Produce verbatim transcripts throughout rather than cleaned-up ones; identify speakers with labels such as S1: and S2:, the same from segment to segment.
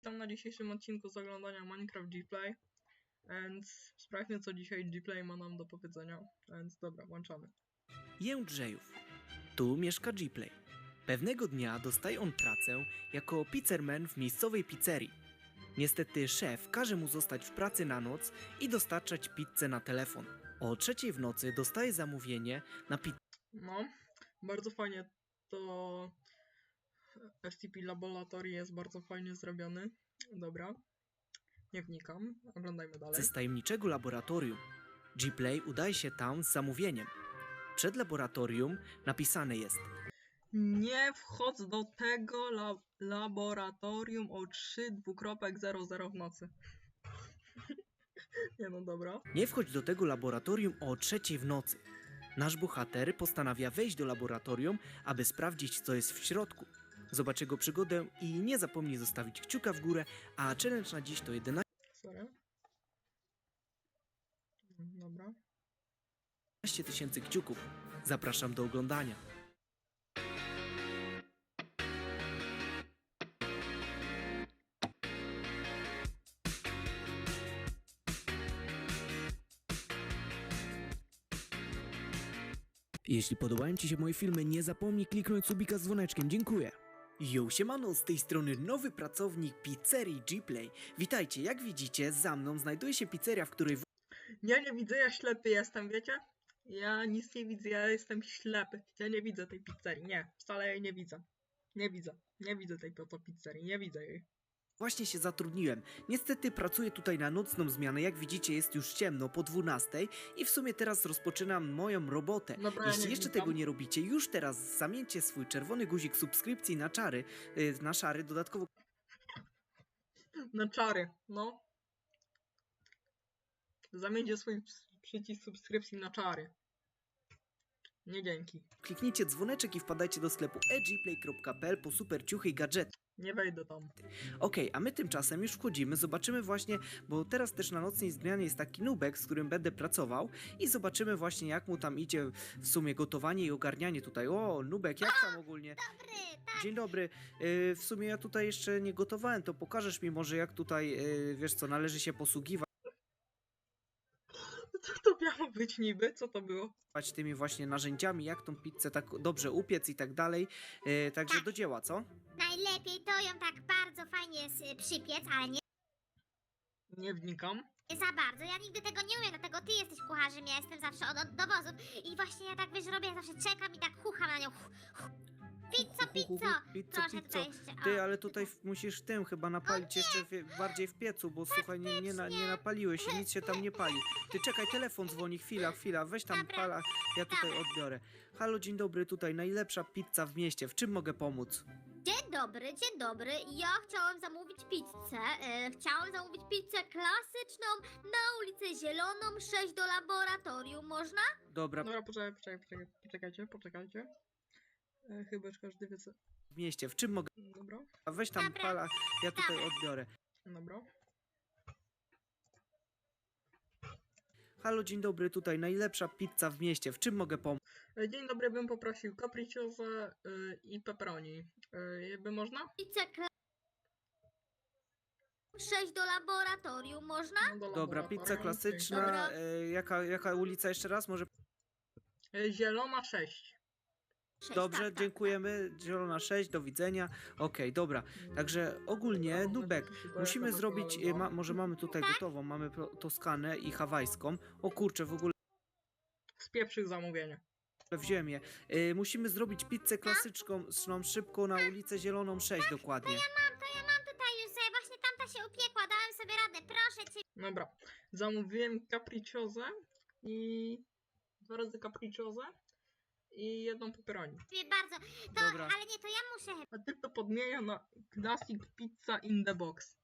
S1: witam na dzisiejszym odcinku z oglądania Minecraft Gplay. Więc sprawdźmy, co dzisiaj Gplay ma nam do powiedzenia. Więc dobra, włączamy.
S2: Jędrzejów. Tu mieszka Gplay. Pewnego dnia dostaje on pracę jako pizzerman w miejscowej pizzerii. Niestety szef każe mu zostać w pracy na noc i dostarczać pizzę na telefon. O trzeciej w nocy dostaje zamówienie na pizzę.
S1: No, bardzo fajnie to S C P Laboratory jest bardzo fajnie zrobiony. Dobra, nie wnikam, oglądajmy dalej.
S2: z tajemniczego laboratorium. Gplay udaje się tam z zamówieniem. Przed laboratorium napisane jest:
S1: Nie wchodź do tego la laboratorium o trzy dwukropek zero zero w nocy. Nie no, dobra.
S2: nie wchodź do tego laboratorium o trzeciej w nocy. Nasz bohater postanawia wejść do laboratorium, aby sprawdzić, co jest w środku. Zobacz jego przygodę i nie zapomnij zostawić kciuka w górę, a challenge na dziś to jedenaście
S1: Sorry. Dobra.
S2: tysięcy kciuków. Zapraszam do oglądania. Jeśli podobają Ci się moje filmy, nie zapomnij kliknąć subika z dzwoneczkiem. Dziękuję. Yo, siemano, z tej strony nowy pracownik pizzerii Gplay. Witajcie, jak widzicie, za mną znajduje się pizzeria, w której...
S1: Ja nie widzę, ja ślepy jestem, wiecie? Ja nic nie widzę, ja jestem ślepy. Ja nie widzę tej pizzerii, nie, wcale jej nie widzę. Nie widzę, nie widzę tej oto pizzerii, nie widzę jej.
S2: Właśnie się zatrudniłem. Niestety pracuję tutaj na nocną zmianę. Jak widzicie, jest już ciemno po dwunastej i w sumie teraz rozpoczynam moją robotę.
S1: Dobra, ja
S2: Jeśli
S1: nie
S2: jeszcze
S1: wnikam.
S2: tego nie robicie, już teraz zamieńcie swój czerwony guzik subskrypcji na czary, yy, na szary, dodatkowo
S1: Na czary, no. Zamieńcie swój przycisk subskrypcji na czary. Nie dzięki.
S2: kliknijcie dzwoneczek i wpadajcie do sklepu e gplay kropka p l po super ciuchy i gadżety.
S1: Nie wejdę tam.
S2: Okej, a my tymczasem już wchodzimy, zobaczymy właśnie, bo teraz też na nocnej zmianie jest taki nubek, z którym będę pracował i zobaczymy właśnie, jak mu tam idzie w sumie gotowanie i ogarnianie tutaj. O, nubek, jak tam ogólnie?
S3: Dobry, tak.
S2: Dzień dobry. Yy, w sumie ja tutaj jeszcze nie gotowałem, to pokażesz mi może, jak tutaj, yy, wiesz co, należy się posługiwać
S1: Co to miało być niby? Co to było?
S2: tymi właśnie narzędziami, jak tą pizzę tak dobrze upiec i tak dalej. Yy, także do dzieła, co?
S3: Najlepiej to ją tak bardzo fajnie s- przypiec, ale nie
S1: Nie wnikam.
S3: za bardzo. Ja nigdy tego nie umiem, dlatego ty jesteś kucharzem, ja jestem zawsze od, od dowozów. I właśnie ja tak wiesz, robię, ja zawsze czekam i tak chucham na nią. Hu- hu- Pizzo, pizzo!
S2: Pizzo,
S3: Proszę
S2: pizzo.
S3: tutaj jeszcze. O.
S2: Ty, ale tutaj w, musisz tym chyba napalić jeszcze w, bardziej w piecu, bo słuchaj, nie, nie, na, nie napaliłeś się, nic się tam nie pali. Ty czekaj, telefon dzwoni, chwila, chwila, weź tam
S3: Dobra.
S2: pala, ja tutaj odbiorę. Halo, dzień dobry, tutaj najlepsza pizza w mieście, w czym mogę pomóc?
S3: Dzień dobry, dzień dobry. Ja chciałam zamówić pizzę. E, chciałam zamówić pizzę klasyczną na ulicę Zieloną sześć do laboratorium. Można?
S2: Dobra,
S1: Dobra, poczekaj, poczekaj, poczekaj, poczekajcie, poczekajcie. E, chyba już każdy wie co...
S2: w mieście, w czym mogę?
S1: Dobra,
S2: Weź tam
S3: Dobra.
S2: pala, ja tutaj odbiorę.
S1: dobra.
S2: Halo, dzień dobry, tutaj najlepsza pizza w mieście, w czym mogę pomóc?
S1: E, dzień dobry, bym poprosił capricciosa y, i pepperoni. Y, by można?
S3: Pizzę klasyczną sześć do laboratorium. Można?
S1: No, do
S2: Dobra,
S1: laboratorium,
S2: pizza
S1: okej.
S2: klasyczna,
S3: Dobra.
S2: e, jaka, jaka ulica jeszcze raz? Może
S1: E, Zielona sześć.
S3: sześć,
S2: Dobrze,
S3: tak, tak,
S2: dziękujemy. Zielona sześć, do widzenia. Okej, dobra. Także ogólnie, Nubek, musimy zrobić, e, ma, może mamy tutaj gotową, mamy pro- Toskanę i hawajską. O kurczę, w ogóle
S1: Spieprzył zamówienie.
S2: wziąłem je. E, musimy zrobić pizzę klasyczną, szną, szybko na ulicę Zieloną sześć dokładnie.
S3: Mam, to ja mam tutaj już sobie, właśnie tamta się upiekła, dałem sobie radę, proszę cię.
S1: Dobra, zamówiłem capricciosę i... Dwa razy capricciosę i jedną pepperoni.
S3: Dziękuję bardzo. To,
S2: Dobra.
S3: ale nie, to ja muszę.
S1: A ty to podmienia na Classic Pizza in the Box.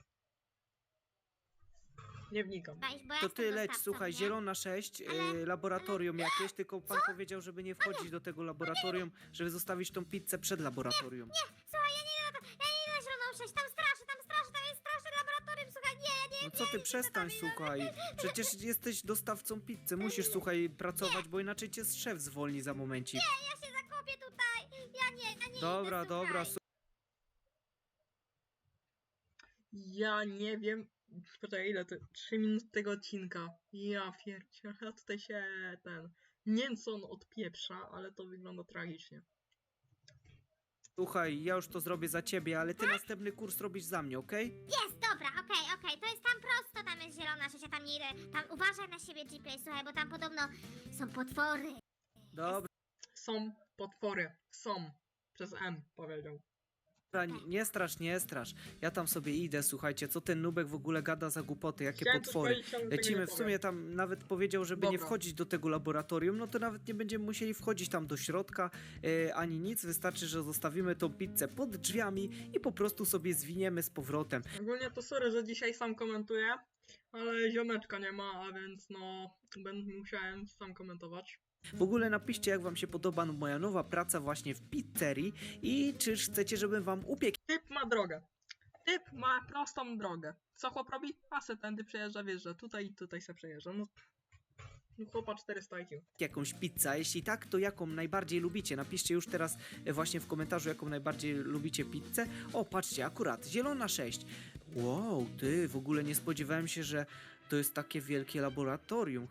S1: Nie wnikam.
S3: Chyba iść, bo ja
S2: To
S3: jestem
S2: ty leć,
S3: dostawcą,
S2: słuchaj,
S3: nie?
S2: Zielona sześć, e,
S3: Ale-
S2: laboratorium jakieś, tylko pan powiedział, żeby nie wchodzić do tego laboratorium, żeby zostawić tą pizzę przed laboratorium.
S3: Słuchaj, ja nie idę na to, ja nie idę na zieloną sześć, tam straszy, tam straszy, tam jest straszne laboratorium, słuchaj, nie, ja nie,
S2: No co ty, przestań, słuchaj. Przecież jesteś dostawcą pizzy, musisz, słuchaj, pracować, bo inaczej cię szef zwolni za momencik.
S3: ja się zakopię tutaj, ja nie, ja nie
S2: Dobra,
S3: idę,
S2: dobra,
S3: słuchaj.
S1: Ja nie wiem. Poczekaj, ile to? trzy minuty tego odcinka. Ja pierdzie, a tutaj się ten. Nie wiem co on odpieprza, ale to wygląda tragicznie.
S2: Słuchaj, ja już to zrobię za ciebie, ale ty następny kurs robisz za mnie, okej?
S3: Jest, dobra, okej, okej, to jest tam prosto, tam jest zielona rzecz, ja tam nie idę. Tam uważaj na siebie, G-Play, słuchaj, bo tam podobno są potwory.
S2: Dobra,
S1: Są potwory. Są. Przez M powiedział.
S2: nie, nie strasz, nie strasz. Ja tam sobie idę, słuchajcie, co ten nubek w ogóle gada za głupoty, jakie
S1: Chciałem coś
S2: potwory.
S1: powiedzieć, ale tego nie
S2: Lecimy, w
S1: powiem.
S2: sumie tam nawet powiedział, żeby nie
S1: Dobra.
S2: wchodzić do tego laboratorium, no to nawet nie będziemy musieli wchodzić tam do środka, e, ani nic, wystarczy, że zostawimy tą pizzę pod drzwiami i po prostu sobie zwiniemy z powrotem.
S1: Ogólnie to sorry, że dzisiaj sam komentuję, ale ziomeczka nie ma, a więc no będę musiałem sam komentować.
S2: W ogóle napiszcie, jak wam się podoba moja nowa praca właśnie w pizzerii i czy chcecie, żebym wam upiekł
S1: Typ ma drogę. Typ ma prostą drogę. Co chłop robi? A se tędy przejeżdża, wiesz, że tutaj i tutaj se przejeżdża. No, no chłopa czterysta I Q.
S2: jakąś pizzę, a jeśli tak, to jaką najbardziej lubicie? Napiszcie już teraz e, właśnie w komentarzu, jaką najbardziej lubicie pizzę. O, patrzcie, akurat, zielona sześć. Wow, ty, w ogóle nie spodziewałem się, że to jest takie wielkie laboratorium.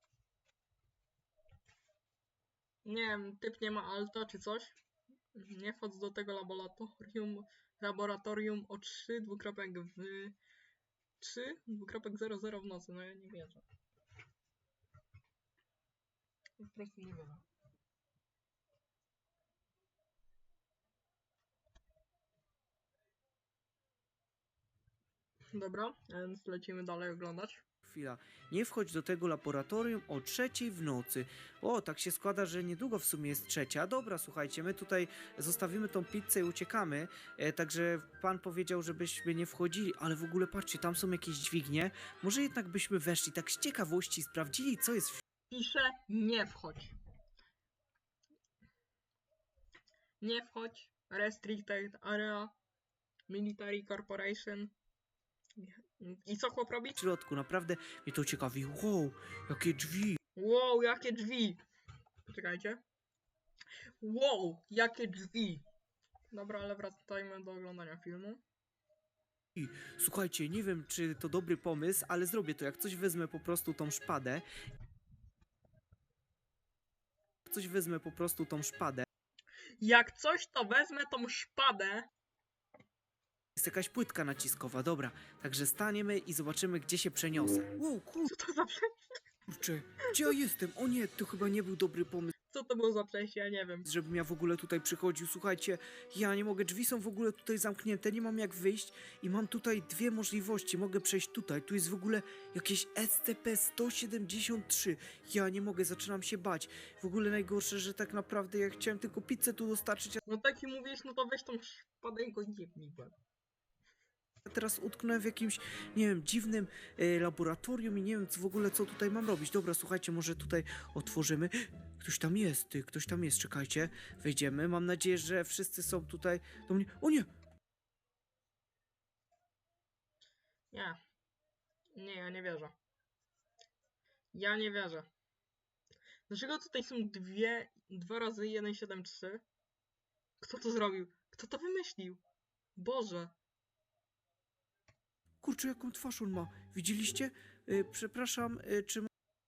S1: Nie wiem, typ nie ma alta czy coś. Nie wchodź do tego laboratorium. Laboratorium o trzy dwukropek w trzy dwukropek zero zero w nocy. No ja nie wierzę. Po prostu nie wierzę. Dobra, więc lecimy dalej oglądać.
S2: Chwila, nie wchodź do tego laboratorium o trzeciej w nocy. O, tak się składa, że niedługo w sumie jest trzecia. Dobra, słuchajcie, my tutaj zostawimy tą pizzę i uciekamy. E, także pan powiedział, żebyśmy nie wchodzili, ale w ogóle patrzcie, tam są jakieś dźwignie. Może jednak byśmy weszli tak z ciekawości, sprawdzili, co jest w
S1: Pisze nie wchodź. Nie wchodź. Restricted Area. Military Corporation. I co chłop robi?
S2: środku. Naprawdę mnie to ciekawi. Wow, jakie drzwi.
S1: Wow, jakie drzwi! Poczekajcie. Wow, jakie drzwi! Dobra, ale wracajmy do oglądania filmu.
S2: Słuchajcie, nie wiem, czy to dobry pomysł, ale zrobię to. Jak coś wezmę po prostu tą szpadę. Jak coś wezmę po prostu tą szpadę.
S1: Jak coś, to wezmę tą szpadę.
S2: Jest jakaś płytka naciskowa, dobra. Także staniemy i zobaczymy, gdzie się przeniosę. Wow,
S1: Co to za przejście?
S2: kurczę, gdzie ja jestem? O nie, to chyba nie był dobry pomysł,
S1: Co to było za przejście? Ja nie wiem.
S2: żebym ja w ogóle tutaj przychodził. Słuchajcie, ja nie mogę, drzwi są w ogóle tutaj zamknięte, nie mam jak wyjść i mam tutaj dwie możliwości. Mogę przejść tutaj, tu jest w ogóle jakieś S C P sto siedemdziesiąt trzy. Ja nie mogę, zaczynam się bać. W ogóle najgorsze, że tak naprawdę ja chciałem tylko pizzę tu dostarczyć,
S1: No tak i mówisz, no to weź tą szpadę i go jebnij w łeb.
S2: a teraz utknąłem w jakimś, nie wiem, dziwnym e, laboratorium i nie wiem co w ogóle, co tutaj mam robić. Dobra, słuchajcie, może tutaj otworzymy. Ktoś tam jest, ty, ktoś tam jest, czekajcie. Wejdziemy, mam nadzieję, że wszyscy są tutaj do mnie. O nie!
S1: Nie. Nie, ja nie wierzę. Ja nie wierzę. Dlaczego tutaj są dwie, dwa razy jeden siedem trzy? Kto to zrobił? Kto to wymyślił? Boże.
S2: Kurczę, jaką twarz on ma. Widzieliście? E, przepraszam, e, czy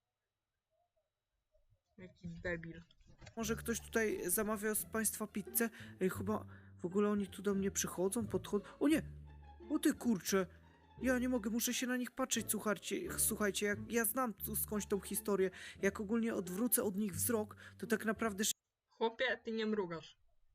S1: Jaki debil.
S2: może ktoś tutaj zamawiał z państwa pizzę? E, chyba w ogóle oni tu do mnie przychodzą, podchodzą. O nie! O ty kurczę! Ja nie mogę, muszę się na nich patrzeć, słuchajcie, słuchajcie, jak ja znam tu skądś tą historię, jak ogólnie odwrócę od nich wzrok, to tak naprawdę
S1: Chłopie, ty nie mrugasz.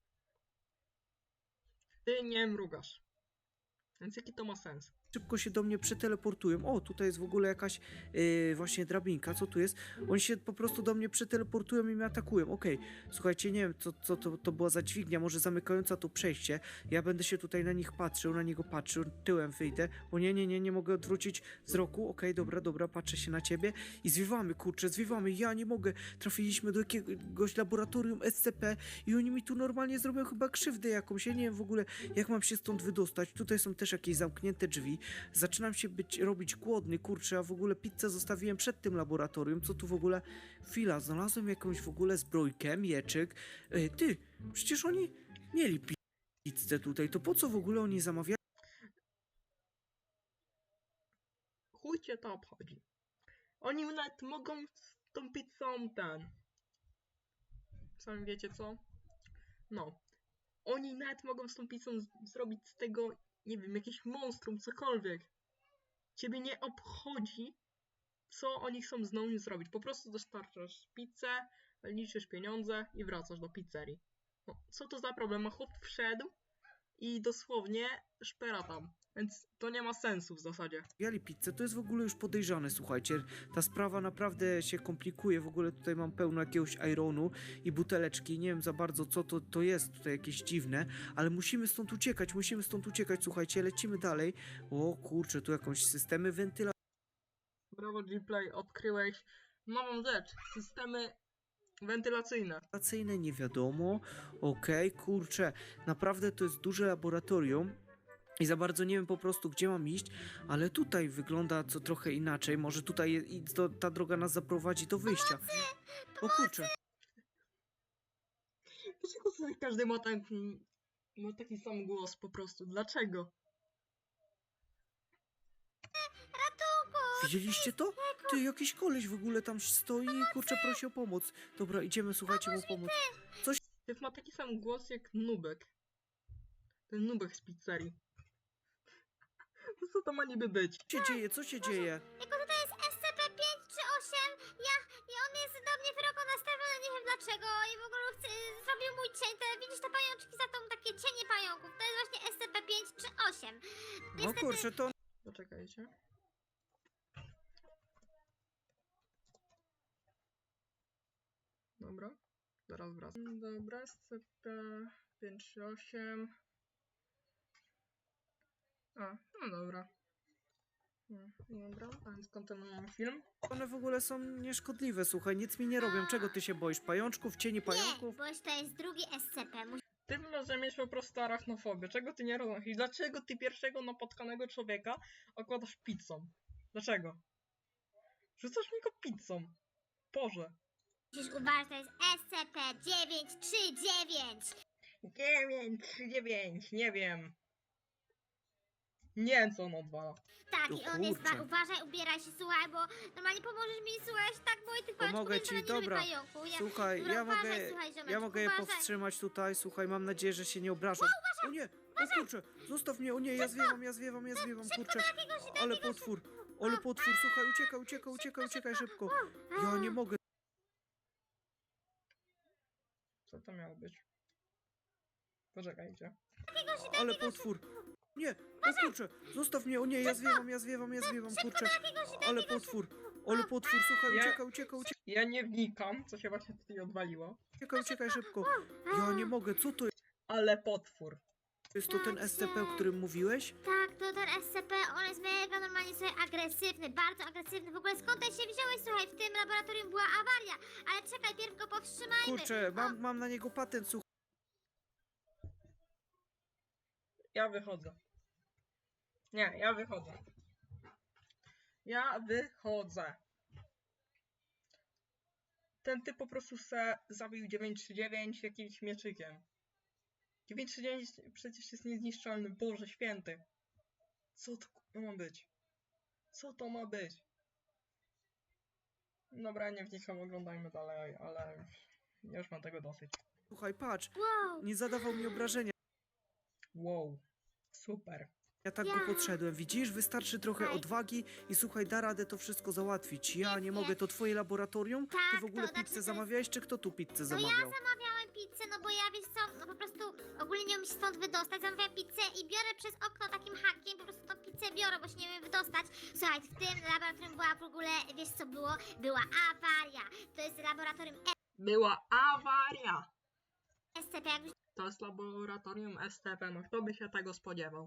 S1: Ty nie mrugasz. Więc jaki to ma sens?
S2: szybko się do mnie przeteleportują. O, tutaj jest w ogóle jakaś yy, właśnie drabinka, co tu jest? Oni się po prostu do mnie przeteleportują i mnie atakują. Okej, słuchajcie, nie wiem, co, co to, to była za dźwignia, może zamykająca to przejście. Ja będę się tutaj na nich patrzył, na niego patrzył, tyłem wyjdę, bo nie, nie, nie, nie mogę odwrócić wzroku. Okej, dobra, dobra, patrzę się na ciebie i zwiewamy, kurczę, zwiewamy, ja nie mogę. Trafiliśmy do jakiegoś laboratorium S C P i oni mi tu normalnie zrobią chyba krzywdę jakąś. Ja nie wiem w ogóle, jak mam się stąd wydostać. Tutaj są też jakieś zamknięte drzwi. Zaczynam się być, robić głodny, kurczę, a w ogóle pizzę zostawiłem przed tym laboratorium. Co tu w ogóle? Chwila, znalazłem jakąś w ogóle zbrojkę, mieczyk. Ej, ty, przecież oni mieli pi- pizzę tutaj, to po co w ogóle oni zamawiali
S1: chuj cię to obchodzi. Oni nawet mogą z tą pizzą ten... Sami wiecie co? No. Oni nawet mogą z tą pizzą z- zrobić z tego, nie wiem, jakieś monstrum, cokolwiek. Ciebie nie obchodzi, co oni chcą z nią zrobić. Po prostu dostarczasz pizzę, liczysz pieniądze i wracasz do pizzerii. No, co to za problem? A chłop wszedł i dosłownie szpera tam. Więc to nie ma sensu w zasadzie.
S2: Zamawiali pizzę, to jest w ogóle już podejrzane, słuchajcie. Ta sprawa naprawdę się komplikuje. W ogóle tutaj mam pełno jakiegoś ironu i buteleczki. Nie wiem za bardzo, co to, to jest tutaj jakieś dziwne, ale musimy stąd uciekać, musimy stąd uciekać, słuchajcie. Lecimy dalej. O kurczę, tu jakąś systemy wentylacji.
S1: Brawo Gplay, odkryłeś nową rzecz. Systemy wentylacyjne.
S2: Wentylacyjne, nie wiadomo. Okej, kurczę, naprawdę to jest duże laboratorium i za bardzo nie wiem po prostu, gdzie mam iść, ale tutaj wygląda co trochę inaczej. Może tutaj je- i to, ta droga nas zaprowadzi do wyjścia. O kurczę,
S1: Dlaczego tutaj każdy ma taki, ma taki sam głos po prostu? Dlaczego?
S2: widzieliście to? Ty, jakiś koleś w ogóle tam stoi i kurczę prosi o pomoc. Dobra, idziemy, słuchajcie, mu pomóc.
S1: Typ ma taki sam głos jak Nubek. Ten Nubek z pizzerii. No co to ma niby być?
S2: Co się dzieje, co się dzieje?
S3: Jako tutaj jest S C P pięć czy osiem, ja, i on jest do mnie wyroko nastawiony, nie wiem dlaczego, i w ogóle chce, zrobił mój cień, te, widzisz te pajączki za tą, takie cienie pająków, to jest właśnie S C P pięć czy osiem.
S2: O kurczę, to
S1: Poczekajcie. Dobra, zaraz wracam. Dobra, S C P pięć osiem. A, no dobra. Hmm, Dobra, a więc kontynuujemy film.
S2: one w ogóle są nieszkodliwe, słuchaj, nic mi nie robią. Czego ty się boisz? Pajączków, cieni
S3: Nie,
S2: pająków?
S3: bo to jest drugi S C P, musi
S1: Ty może mieć po prostu arachnofobię. Czego ty nie rozumiesz? I dlaczego ty pierwszego napotkanego człowieka okładasz pizzą? Dlaczego? Rzucasz mi go pizzą. Boże.
S3: musisz uważać, to jest S C P dziewięć trzy dziewięć.
S1: dziewięć, trzy, dziewięć, nie wiem. Nie wiem co on odwala.
S3: Tak,
S2: O
S3: i on jest,
S2: kurczę.
S3: ba- uważaj, ubieraj się, słuchaj, bo normalnie pomożesz mi, słuchaj, tak, bo i tych pajączków
S2: Pomogę
S3: jest
S2: ci,
S3: wcale nie lubię
S2: dobra.
S3: pająków. Ja,
S2: Słuchaj,
S3: dobra,
S2: ja
S3: uważaj,
S2: mogę,
S3: słuchaj,
S2: ja
S3: ziomeczku,
S2: mogę je
S3: uważaj.
S2: powstrzymać tutaj, słuchaj, mam nadzieję, że się nie obrażą. O nie, o kurczę, zostaw mnie, o nie, ja zwiewam, ja zwiewam, ja zwiewam, kurczę. Ale potwór, ale potwór, słuchaj, uciekaj, uciekaj, uciekaj, uciekaj szybko. Ja nie mogę.
S1: Co to miało być? Poczekajcie.
S2: Ale potwór. Nie, o kurczę, zostaw mnie, o nie, ja zwiewam, ja zwiewam, ja zwiewam, kurczę. Ale potwór, ale potwór, słuchaj,
S1: Ja-
S2: uciekaj, uciekaj, uciekaj,
S1: Ja nie wnikam, co się właśnie tutaj odwaliło.
S2: uciekaj, uciekaj szybko. Ja nie mogę, co to
S1: Ale potwór.
S2: jest? To ten S C P, o którym mówiłeś?
S3: Tak, to ten S C P, on jest mega normalnie sobie agresywny, bardzo agresywny. W ogóle skąd ty się wziąłeś, słuchaj, w tym laboratorium była awaria. Ale czekaj, pierw go powstrzymajmy.
S2: Kurczę, mam, mam na niego patent, słuchaj.
S1: Ja wychodzę. Nie, ja wychodzę. Ja wychodzę. Ten typ po prostu se zabił dziewięć trzy dziewięć jakimś mieczykiem. dziewięć trzy dziewięć przecież jest niezniszczalny. Boże święty. Co to k***a ma być? Co to ma być? Dobra, nie wnikam, oglądajmy dalej, ale ja już mam tego dosyć.
S2: Słuchaj, patrz,
S3: Wow,
S2: nie zadawał mi obrażenia.
S1: Wow. Super.
S2: Ja tak
S3: Ja.
S2: go podszedłem, widzisz? Wystarczy trochę
S3: Słuchaj.
S2: odwagi i słuchaj, da radę to wszystko załatwić. Ja nie
S3: Pewnie.
S2: mogę, to twoje laboratorium? Ty
S3: Tak,
S2: w ogóle
S3: to znaczy, to
S2: pizzę
S3: jest-
S2: zamawiałeś, czy kto tu pizzę
S3: no
S2: zamawiał?
S3: ja zamawiałem pizzę, no bo ja, wiesz co, no po prostu ogólnie nie umiem się stąd wydostać. Zamawiam pizzę i biorę przez okno takim hakiem, po prostu tą pizzę biorę, bo się nie umiem wydostać. Słuchaj, w tym laboratorium była w ogóle, wiesz co było? Była awaria. To jest laboratorium
S1: Była awaria.
S3: S C P, jakbyś
S1: To jest laboratorium S T P, no kto by się tego spodziewał?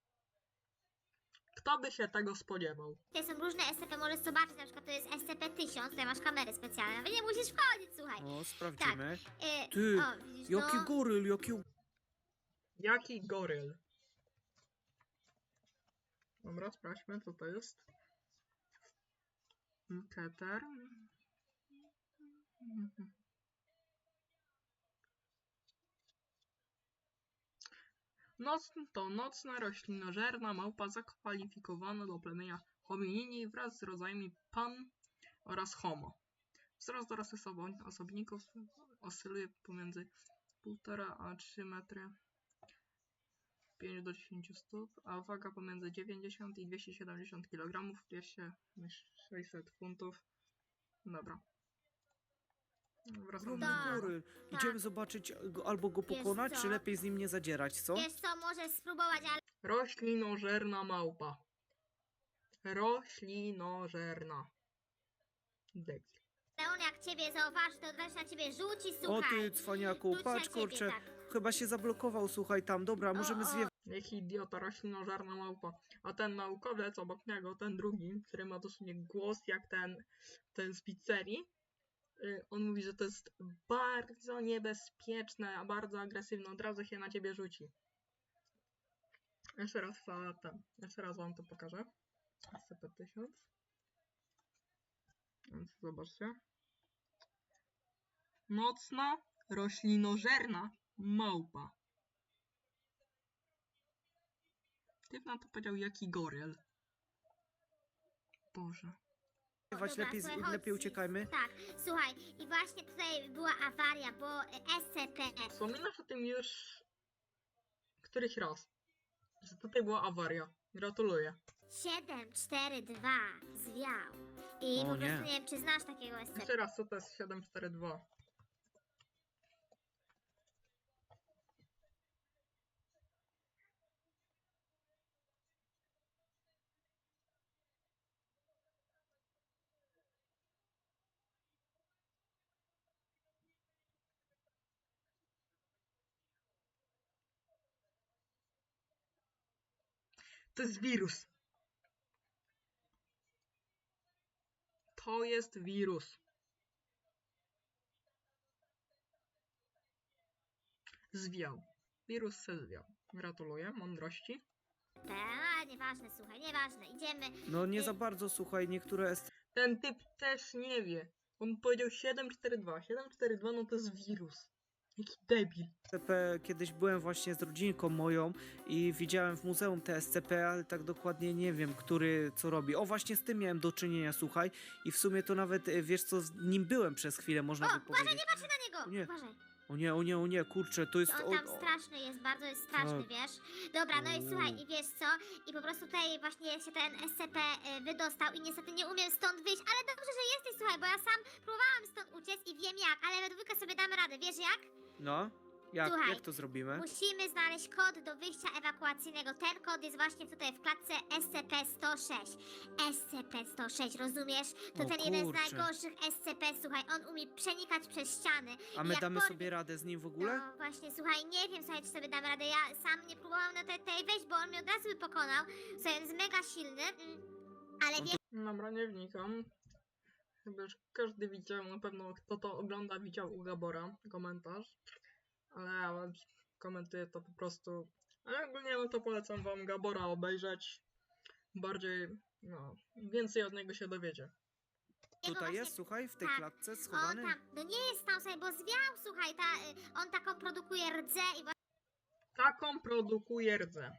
S1: Kto by się tego spodziewał?
S3: Tutaj są różne S C P, możesz zobaczyć, na przykład to jest S C P tysiąc, tutaj masz kamery specjalne, nawet nie musisz wchodzić, słuchaj.
S2: O, sprawdzimy.
S3: E,
S2: Ty,
S3: o, widzisz,
S2: Jaki
S3: no.
S2: goryl, jaki...
S1: Jaki goryl? Dobra, sprawdźmy co to jest. Keter. Noc, to nocna roślinożerna małpa zakwalifikowana do plemienia hominini wraz z rodzajami pan oraz homo. Wzrost dorosłych osobników oscyluje pomiędzy półtora a trzy metry, pięć do dziesięciu stóp, a waga pomiędzy dziewięćdziesiąt i dwieście siedemdziesiąt kilogramów, dwieście sześćset funtów. Dobra. Wracamy
S2: Ogromny
S3: Tak.
S2: goryl.
S3: Tak.
S2: Idziemy zobaczyć go, albo go
S3: Wiesz
S2: pokonać,
S3: co?
S2: czy lepiej z nim nie zadzierać, co?
S3: Wiesz co, możesz spróbować, ale
S1: Roślinożerna małpa. Roślinożerna. Debil.
S3: on jak ciebie zauważy, to od razu na ciebie rzuci,
S2: O
S3: słuchaj.
S2: ty cwaniaku,
S3: Rzuci na
S2: patrz
S3: ciebie,
S2: kurczę,
S3: tak.
S2: chyba się zablokował, słuchaj tam, dobra, możemy
S3: o.
S2: zwiewać.
S1: Jaki idiota, roślinożerna małpa. A ten naukowiec obok niego, ten drugi, który ma dosłownie głos jak ten, ten z pizzerii, y, on mówi, że to jest bardzo niebezpieczne, a bardzo agresywne. Od razu się na ciebie rzuci. Jeszcze raz za ten. Jeszcze raz wam to pokażę. S C P tysiąc. Więc zobaczcie. Nocna, roślinożerna małpa. Ty na to powiedział jaki goryl. Boże.
S3: Dobra,
S2: Lepiej, z-
S3: słuchaj, chodź.
S2: lepiej uciekajmy.
S3: Tak, słuchaj, i właśnie tutaj była awaria, bo e, S C P
S1: Wspominasz o tym już któryś raz, że tutaj była awaria. Gratuluję.
S3: siedem cztery dwa zwiał. I
S2: O
S3: po
S2: nie.
S3: prostu nie wiem, czy znasz takiego S C P.
S1: Jeszcze raz, co to jest siedem cztery dwa? To jest wirus. To jest wirus. Zwiał. Wirus se zwiał. Gratuluję, mądrości.
S3: A, nieważne, słuchaj, nieważne, idziemy.
S2: No nie
S3: Y,
S2: za bardzo, słuchaj, niektóre S
S1: Ten typ też nie wie. On powiedział siedem cztery dwa. siedem cztery dwa no to jest wirus. Jaki debil.
S2: C P, kiedyś byłem właśnie z rodzinką moją i widziałem w muzeum te S C P, ale tak dokładnie nie wiem, który co robi. O, właśnie z tym miałem do czynienia, słuchaj, i w sumie to nawet, e, wiesz co, z nim byłem przez chwilę, można
S3: O,
S2: by
S3: uważaj,
S2: powiedzieć.
S3: nie patrzę na niego!
S2: O nie.
S3: Uważaj.
S2: O nie, o nie, o nie, kurczę, to jest...
S3: On
S2: O,
S3: tam
S2: o,
S3: straszny jest, bardzo jest straszny,
S2: Tak.
S3: wiesz? Dobra, no i
S2: Uuu.
S3: słuchaj, i wiesz co? I po prostu tutaj właśnie się ten S C P y, wydostał i niestety nie umiem stąd wyjść, ale dobrze, że jesteś, słuchaj, bo ja sam próbowałam stąd uciec i wiem jak, ale we dwójkę sobie damy radę, wiesz jak?
S2: no, jak,
S3: Słuchaj,
S2: jak to zrobimy?
S3: Musimy znaleźć kod do wyjścia ewakuacyjnego. Ten kod jest właśnie tutaj w klatce S C P sto sześć. S C P sto sześć, rozumiesz? To
S2: O
S3: ten jeden z
S2: kurczę.
S3: najgorszych S C P, słuchaj, on umie przenikać przez ściany.
S2: A
S3: I
S2: my
S3: jak
S2: damy
S3: porwie-
S2: sobie radę z nim w ogóle?
S3: No właśnie, słuchaj, nie wiem, słuchaj, czy sobie damy radę. Ja sam nie próbowałam na tej, tej wejść, bo on mnie od razu by pokonał. Słuchaj, on jest mega silny, mm, ale
S2: On
S3: wiesz,
S1: Dobra, nie wnikam. Chyba już każdy widział, na pewno kto to ogląda, widział u Gabora komentarz. Ale ja komentuję to po prostu. Ale ogólnie no to polecam wam Gabora obejrzeć. Bardziej, no, więcej od niego się dowiecie.
S3: jego
S2: Tutaj
S3: właśnie-
S2: jest, słuchaj, w tej
S3: tak.
S2: klatce
S3: on
S2: schowany?
S3: tam, no nie jest tam, słuchaj, bo zwiał, słuchaj, ta, y, on taką produkuje rdzę i
S1: Taką produkuje rdzę.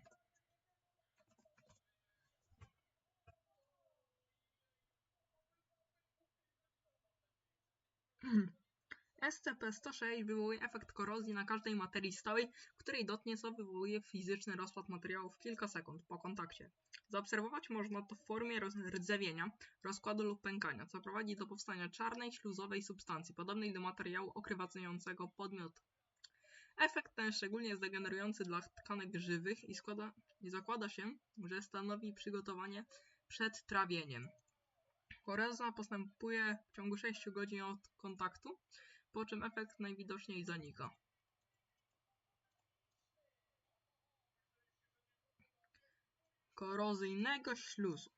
S1: S C P sto sześć wywołuje efekt korozji na każdej materii stałej, której dotknie, co wywołuje fizyczny rozpad materiału w kilka sekund po kontakcie. Zaobserwować można to w formie roz- rdzewienia, rozkładu lub pękania, co prowadzi do powstania czarnej, śluzowej substancji, podobnej do materiału okrywającego podmiot. Efekt ten szczególnie jest degenerujący dla tkanek żywych i, składa, i zakłada się, że stanowi przygotowanie przed trawieniem. Korozja postępuje w ciągu sześciu godzin od kontaktu, po czym efekt najwidoczniej zanika. Korozyjnego śluzu.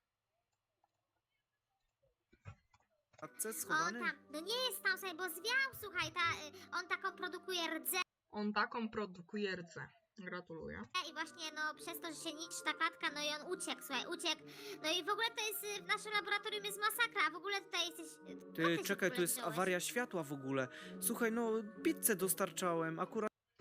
S2: W klatce
S3: on
S2: schowany?
S3: tam, no nie jest tam, słuchaj, bo zwiał, słuchaj, ta, y, on taką produkuje rdzę
S1: On taką produkuje rdzę. Gratuluję.
S3: i właśnie, no, przez to, że się niszczy ta klatka, no i on uciekł, słuchaj, uciekł. No i w ogóle to jest, y, w naszym laboratorium jest masakra, a w ogóle tutaj jesteś... y, skąd
S2: Ty,
S3: się w
S2: czekaj,
S3: ogóle
S2: tu jest
S3: wziąłeś?
S2: awaria światła w ogóle. Słuchaj, no, pizzę dostarczałem, akurat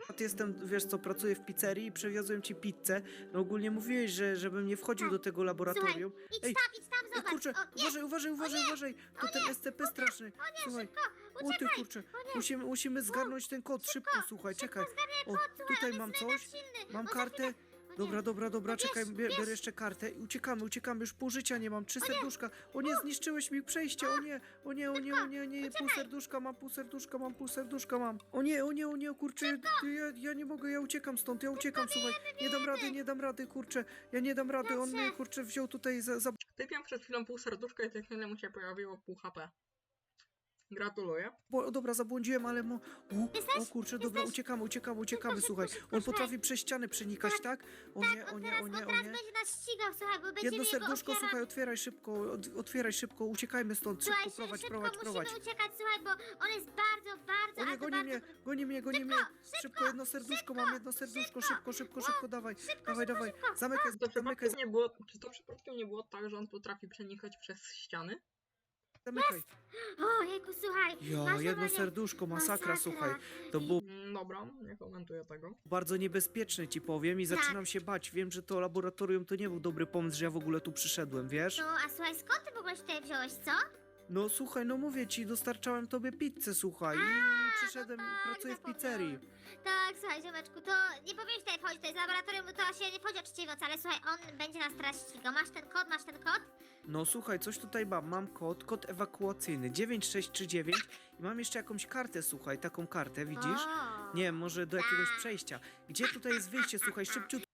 S2: jestem, wiesz co, pracuję w pizzerii i przewiozłem ci pizzę. No ogólnie mówiłeś, że żebym nie wchodził do tego laboratorium.
S3: Idź
S2: Ej,
S3: tam, idź tam,
S2: Ej,
S3: zobacz.
S2: kurczę,
S3: O, nie,
S2: uważaj, uważaj, uważaj, uważaj. To ten S C P straszny.
S3: o nie,
S2: Słuchaj.
S3: szybko,
S2: O ty
S3: uciekaj.
S2: kurczę,
S3: O nie.
S2: musimy, musimy zgarnąć ten kod. Szybko, słuchaj, czekaj.
S3: Zgarniaj
S2: O,
S3: kod, słuchaj,
S2: tutaj
S3: on
S2: mam
S3: jest
S2: coś.
S3: mega silny.
S2: Mam
S3: On za
S2: kartę.
S3: chwilę- o nie.
S2: Dobra, dobra, dobra,
S3: No
S2: czekaj,
S3: bierz,
S2: bie-
S3: bierz.
S2: biorę jeszcze kartę i uciekamy, uciekamy, już pół życia nie mam, trzy serduszka. O nie, zniszczyłeś mi przejście, o nie, o nie, o nie, o nie, o nie, pół serduszka mam, pół serduszka mam, pół serduszka mam. O nie, o nie, o nie, kurczę, ja, ja nie mogę, ja uciekam stąd, ja uciekam, słuchaj, nie dam rady, nie dam rady, kurczę, ja nie dam rady, on mnie, kurczę, wziął tutaj za... za...
S1: Typiam przed chwilą pół serduszka i za chwilę mu się pojawiło pół H P. Gratuluję.
S2: Bo, dobra, zabłądziłem, ale mo... O,
S3: Jesteś?
S2: o kurczę, dobra,
S3: Jesteś?
S2: uciekamy, uciekamy, uciekamy,
S3: Szybko,
S2: słuchaj,
S3: szybko,
S2: on
S3: szybko,
S2: potrafi przez ściany przenikać, tak? O nie, o
S3: On
S2: nie,
S3: teraz,
S2: o
S3: on
S2: nie, o
S3: teraz
S2: nie.
S3: będzie nas ścigał, słuchaj, bo będziemy
S2: Jedno
S3: jego
S2: serduszko,
S3: ofiara.
S2: słuchaj, otwieraj szybko, od, otwieraj szybko, uciekajmy stąd,
S3: Słuchaj,
S2: szybko, prowadź,
S3: szybko
S2: prowadź,
S3: musimy
S2: prowadź.
S3: uciekać, słuchaj, bo on jest bardzo, bardzo,
S2: O nie,
S3: ale to
S2: goni
S3: bardzo...
S2: mnie, goni mnie, goni mnie. Szybko, jedno serduszko mam, jedno serduszko, szybko, szybko, szybko, dawaj, dawaj, dawaj. Zamykaj,
S1: Czy to,
S2: zamykaj,
S1: przypadkiem nie było, czy to przypadkiem nie było tak, że on potrafi przenikać przez ściany?
S2: zamykaj.
S3: O, jejku, słuchaj,
S2: Ja,
S3: masz
S2: jedno
S3: normalnie-
S2: serduszko, masakra, słuchaj. To
S3: I-
S2: było
S1: Mm, Dobra, nie komentuję tego.
S2: bardzo niebezpieczne, ci powiem, i
S3: Tak.
S2: zaczynam się bać. Wiem, że to laboratorium to nie był dobry pomysł, że ja w ogóle tu przyszedłem, wiesz?
S3: No, a słuchaj, skąd ty w ogóle się tutaj wziąłeś, co?
S2: No słuchaj, no mówię ci, dostarczałem tobie pizzę, słuchaj, i przyszedłem,
S3: tak,
S2: pracuję w
S3: zapomniałam.
S2: pizzerii.
S3: Tak, słuchaj, ziomeczku, to nie powinieneś tutaj wchodzić, to jest laboratorium, bo to się nie wchodzi o trzeciej nocy, ale słuchaj, on będzie nas teraz ścigał. Masz ten kod, masz ten kod?
S2: No słuchaj, coś tutaj mam, mam kod, kod ewakuacyjny dziewięć sześć trzy dziewięć i mam jeszcze jakąś kartę, słuchaj, taką kartę, widzisz?
S3: O.
S2: Nie wiem, może do jakiegoś
S3: Tak.
S2: przejścia. Gdzie tutaj jest wyjście, słuchaj, szybciutko.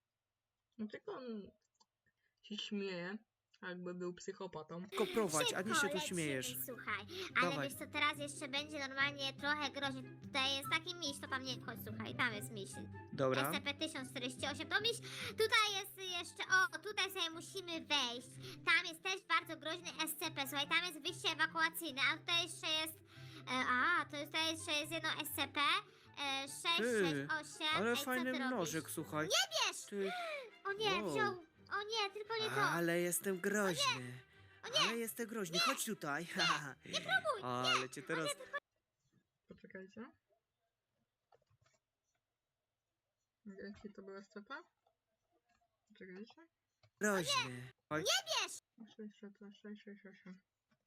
S1: No tylko on się śmieje, jakby był psychopatą.
S2: Tylko prowadź, a nie
S3: Szybko
S2: się tu
S3: lecimy,
S2: śmiejesz.
S3: Słuchaj, ale
S2: Dawaj.
S3: wiesz co, teraz jeszcze będzie normalnie trochę groźnie. Tutaj jest taki miś, to tam nie chodź, słuchaj, tam jest miś.
S2: Dobra.
S3: S C P tysiąc czterdzieści osiem, to miś. Tutaj jest jeszcze, o, tutaj sobie musimy wejść. Tam jest też bardzo groźny S C P, słuchaj, tam jest wyjście ewakuacyjne, a tutaj jeszcze jest, e, a, to tutaj jeszcze jest jedno S C P. E, sześć sześć osiem.
S2: Ale
S3: Ej, co
S2: fajny
S3: ty robisz?
S2: nożyk, słuchaj.
S3: Wiesz!
S2: Ty,
S3: O nie,
S2: Wow.
S3: wziął, o nie, tylko nie to.
S2: ale jestem groźny. Ale jestem groźny, chodź tutaj.
S3: Nie próbuj,
S2: Ale cię teraz...
S1: Poczekajcie. Jaki to był S C P? Poczekajcie.
S2: Groźny. Oj,
S3: wiesz!
S1: sześć sześć sześć sześć osiem.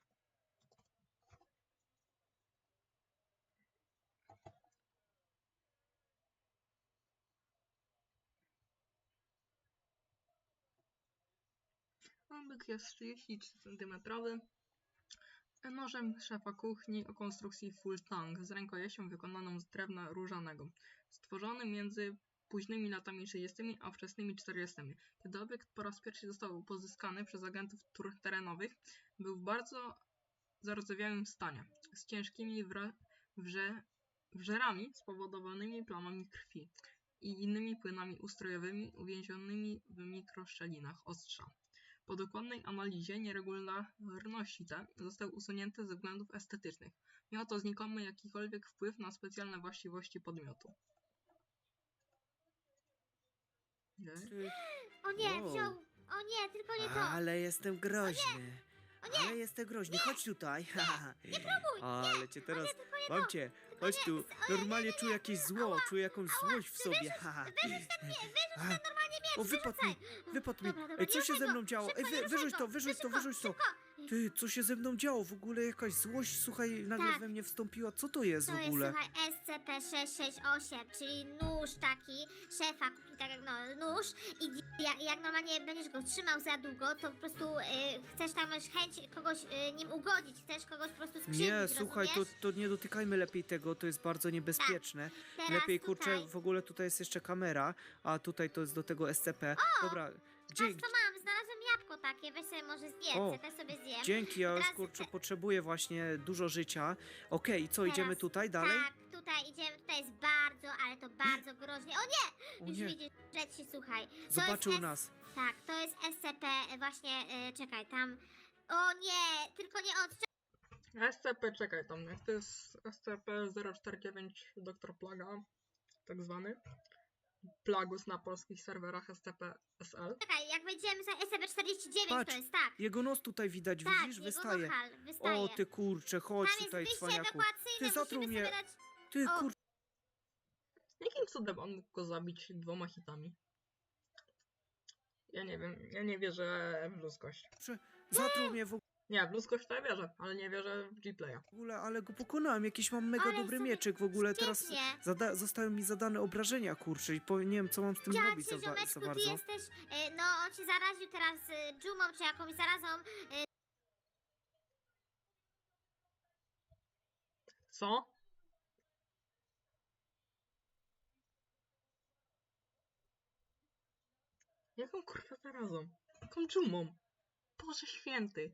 S1: Obyk jest trzydzieści trzy centymetrowy. Nożem szefa kuchni o konstrukcji full tang z rękojeścią wykonaną z drewna różanego, stworzony między późnymi latami trzydziestymi a wczesnymi czterdziestami. Kiedy obiekt po raz pierwszy został pozyskany przez agentów tur terenowych, był w bardzo zardzewiałym stanie, z ciężkimi wra- wrze- wżerami spowodowanymi plamami krwi i innymi płynami ustrojowymi uwięzionymi w mikroszczelinach ostrza. Po dokładnej analizie nieregularności te zostały usunięte ze względów estetycznych. Miało to znikomy jakikolwiek wpływ na specjalne właściwości podmiotu. Nie?
S2: ty,
S3: O nie,
S2: Wow.
S3: wziął, o nie, tylko nie to.
S2: ale jestem groźny.
S3: O nie,
S2: Ale jestem groźny, chodź tutaj.
S3: nie próbuj,
S2: Ale cię teraz...
S3: tylko nie
S2: Mam
S3: to.
S2: cię, chodź tu. Normalnie czuję jakieś zło, czuję jakąś złość w sobie. Haha.
S3: Wyrzuć ten, nie, wyrzuć ten
S2: A,
S3: normalnie miecz,
S2: O, wypadł mi,
S3: wyrzucaj.
S2: wypadł mi.
S3: Dobra, dobra,
S2: Ej, co
S3: nie
S2: się
S3: ruszaj
S2: ze
S3: go.
S2: mną działo? Ej,
S3: Szybko,
S2: wy,
S3: nie ruszaj
S2: wyrzuć
S3: go.
S2: to, wyrzuć to,
S3: Szybko,
S2: wyrzuć to.
S3: szybko.
S2: Ty, co się ze mną działo? W ogóle jakaś złość, słuchaj, nagle
S3: Tak.
S2: we mnie wstąpiła. Co to jest
S3: To
S2: w
S3: jest,
S2: ogóle?
S3: słuchaj, S C P sześć sześć osiem, czyli nóż taki, szefa kuchni, tak jak no, nóż i di- jak, jak normalnie będziesz go trzymał za długo, to po prostu y, chcesz tam masz chęć kogoś y, nim ugodzić, chcesz kogoś po prostu skrzywdzić,
S2: Nie, słuchaj, to,
S3: rozumiesz?
S2: to nie dotykajmy lepiej tego, to jest bardzo niebezpieczne.
S3: Teraz
S2: Lepiej, kurczę,
S3: tutaj,
S2: w ogóle tutaj jest jeszcze kamera, a tutaj to jest do tego S C P. Dobra, gdzie,
S3: patrz co mam, znalazłem jabłko takie, weź sobie może zjedz,
S2: O,
S3: ja też sobie zjem.
S2: dzięki, ja już,
S3: Teraz-
S2: kurczę, potrzebuję właśnie dużo życia. Okej, i co,
S3: Teraz-
S2: idziemy tutaj dalej?
S3: Tak, tutaj idziemy, tutaj jest bardzo, ale to bardzo groźnie. O nie!
S2: O
S3: Już
S2: nie,
S3: widzisz, że ci słuchaj. To
S2: zobaczył
S3: jest S-
S2: nas.
S3: Tak, to jest S C P, właśnie, y, czekaj, tam. O nie, tylko nie on.
S1: S C P, czekaj tam, jak to jest S C P zero cztery dziewięć doktor Plaga, tak zwany. Plagus na polskich serwerach S C P S L.
S3: Czekaj, jak wejdziemy za S C P czterdzieści dziewięć,
S2: Patrz,
S3: to jest tak.
S2: Jego nos tutaj widać,
S3: Tak,
S2: widzisz?
S3: jego
S2: Wystaje.
S3: nohal wystaje.
S2: O, ty kurczę, chodź
S3: Tam jest
S2: tutaj,
S3: wyjście
S2: cwaniaku.
S3: ewakuacyjne,
S2: Ty, zatruł
S3: musimy
S2: mnie.
S3: sobie dać...
S2: Ty
S3: O.
S2: kurczę.
S1: Jakim cudem on mógł go zabić dwoma hitami? Ja nie wiem, ja nie wierzę w ludzkość.
S2: Zatruł mnie w
S1: Nie, w ludzkość to ja wierzę, ale nie wierzę w G-Playa.
S2: ogóle, ale go pokonałem. Jakiś mam mega
S3: Ale
S2: dobry
S3: sobie
S2: mieczyk w ogóle. Teraz
S3: Świetnie.
S2: zada zostały mi zadane obrażenia, kurczę, i powiem, nie wiem, co mam z tym
S3: Ja
S2: robić
S3: cię,
S2: za, ba- za
S3: ziomeczku, ty
S2: bardzo.
S3: jesteś, e, no on cię zaraził teraz e, dżumą czy jakąś zarazą. E,
S1: Co? Jaką kurwa zarazą? Jaką dżumą? Boże święty.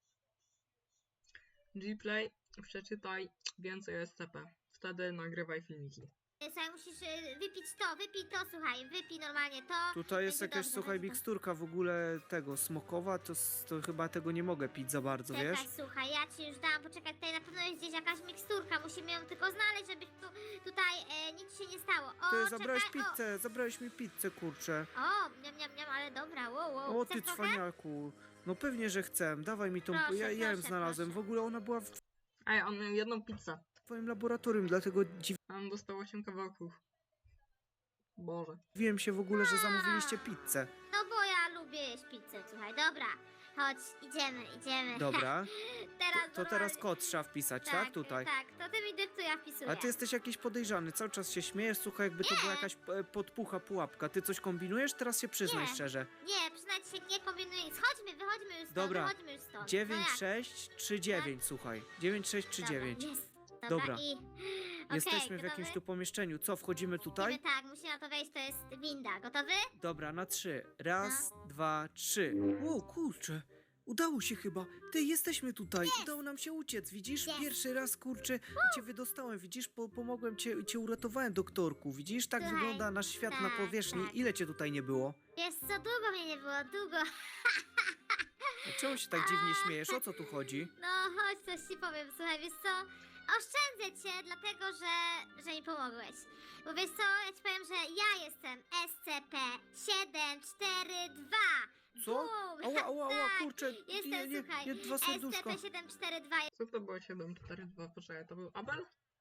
S1: G-Play, przeczytaj więcej o S C P. Wtedy nagrywaj filmiki.
S3: Słuchaj, musisz e, wypić to, wypij to, słuchaj, wypij normalnie to.
S2: Tutaj jest
S3: Będzie
S2: jakaś,
S3: dobrze,
S2: słuchaj,
S3: będzie
S2: miksturka w ogóle tego, smokowa, to, s- to chyba tego nie mogę pić za bardzo,
S3: Czekaj,
S2: wiesz?
S3: słuchaj, ja ci już dałam, poczekaj, tutaj na pewno jest gdzieś jakaś miksturka, musimy ją tylko znaleźć, żeby tu, tutaj e, nic się nie stało. O,
S2: Ty zabrałeś
S3: czekaj,
S2: pizzę, zabrałeś mi pizzę, kurczę.
S3: O, niam, niam, niam, ale dobra, wow, wow.
S2: O,
S3: Chcesz
S2: ty
S3: trochę?
S2: cwaniaku. No pewnie, że chcę. Dawaj mi tą,
S3: Proszę,
S2: ja, ja ją
S3: proszę,
S2: znalazłem. W
S3: proszę.
S2: ogóle ona była w
S1: Ej, on miał jedną pizzę.
S2: twoim laboratorium, dlatego dziwiłem
S1: A on dostał osiem kawałków. Boże.
S2: się w ogóle, że zamówiliście pizzę.
S3: No bo ja lubię jeść pizzę, słuchaj, dobra. Chodź, idziemy, idziemy.
S2: Dobra.
S3: teraz
S2: To, to teraz
S3: normalnie-
S2: kod trzeba wpisać, tak? Tutaj.
S3: Tak, to ty mi dyktuj, ja wpisuję.
S2: A ty jesteś jakiś podejrzany, cały czas się śmiejesz, słuchaj, jakby to
S3: Nie.
S2: była jakaś e, podpucha, pułapka. Ty coś kombinujesz? Teraz się przyznaj
S3: Nie.
S2: szczerze.
S3: Nie, przynajmniej się nie kombinuję. Schodźmy, wychodźmy już stąd,
S2: Dobra.
S3: wychodźmy już stąd.
S2: dziewięć
S3: no jak?
S2: sześć trzy dziewięć, słuchaj. dziewięć sześć trzy dziewięć.
S3: Dobra, jest. Dobra,
S2: Dobra.
S3: i...
S2: Jesteśmy
S3: Okej,
S2: w jakimś tu
S3: gotowy?
S2: pomieszczeniu. Co, wchodzimy tutaj?
S3: Idziemy, tak, musimy na to wejść, to jest winda. Gotowy?
S2: Dobra, na trzy. Raz,
S3: No.
S2: dwa, trzy. Wow, kurczę. Udało się chyba. Ty, jesteśmy tutaj. Udało nam się uciec, widzisz?
S3: Jest.
S2: Pierwszy raz, kurczę, cię wydostałem, widzisz? Po, pomogłem cię, cię uratowałem, doktorku. Widzisz? Tak
S3: Słuchaj,
S2: wygląda nasz świat na
S3: tak,
S2: powierzchni.
S3: tak.
S2: Ile cię tutaj nie było?
S3: Wiesz co, długo mnie nie było, długo.
S2: A czemu się tak dziwnie śmiejesz? O co tu chodzi?
S3: No, chodź, coś ci powiem, słuchaj, wiesz co? Oszczędzę cię, dlatego że, że mi pomogłeś. Bo wiesz co, ja ci powiem, że ja jestem S C P siedem cztery dwa.
S2: Co?
S3: Bum!
S2: Ała, ała, ała,
S3: Tak,
S2: kurczę.
S3: Jestem,
S2: Nie, nie,
S3: słuchaj,
S2: nie, dwa serduszka.
S3: S C P siedem cztery dwa.
S1: Co to było siedem cztery dwa? Poczekaj, to był Abel?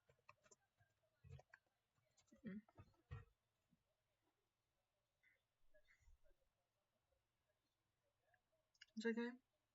S1: Mm. Czekaj.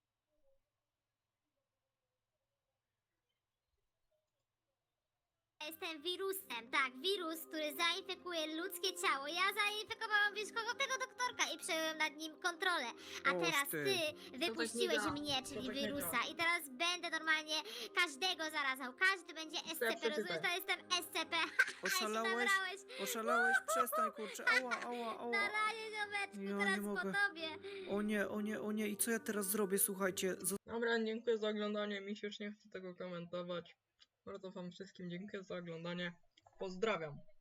S3: Jestem wirusem, tak, wirus, który zainfekuje ludzkie ciało. Ja zainfekowałam, wiesz kogo? Tego doktorka i przejąłem nad nim kontrolę. A
S2: Och
S3: teraz
S2: ty.
S3: ty
S1: tak nie
S3: wypuściłeś
S1: działa.
S3: mnie,
S1: To
S3: czyli
S1: tak nie
S3: wirusa.
S1: działa.
S3: I teraz będę normalnie każdego zarazał. Każdy będzie S C P,
S1: przeczytaj.
S3: rozumiesz? To jestem S C P.
S2: Oszalałeś?
S3: Nabrałeś.
S2: Oszalałeś? Przestań, kurczę. Ała, ała, ała.
S3: Na razie, ziomeczku,
S2: Ja
S3: teraz
S2: nie
S3: po
S2: mogę.
S3: tobie.
S2: O nie, o nie, o nie. I co ja teraz zrobię? Słuchajcie,
S1: Dobra, dziękuję za oglądanie. Mi się już nie chce tego komentować. Bardzo wam wszystkim dziękuję za oglądanie. Pozdrawiam.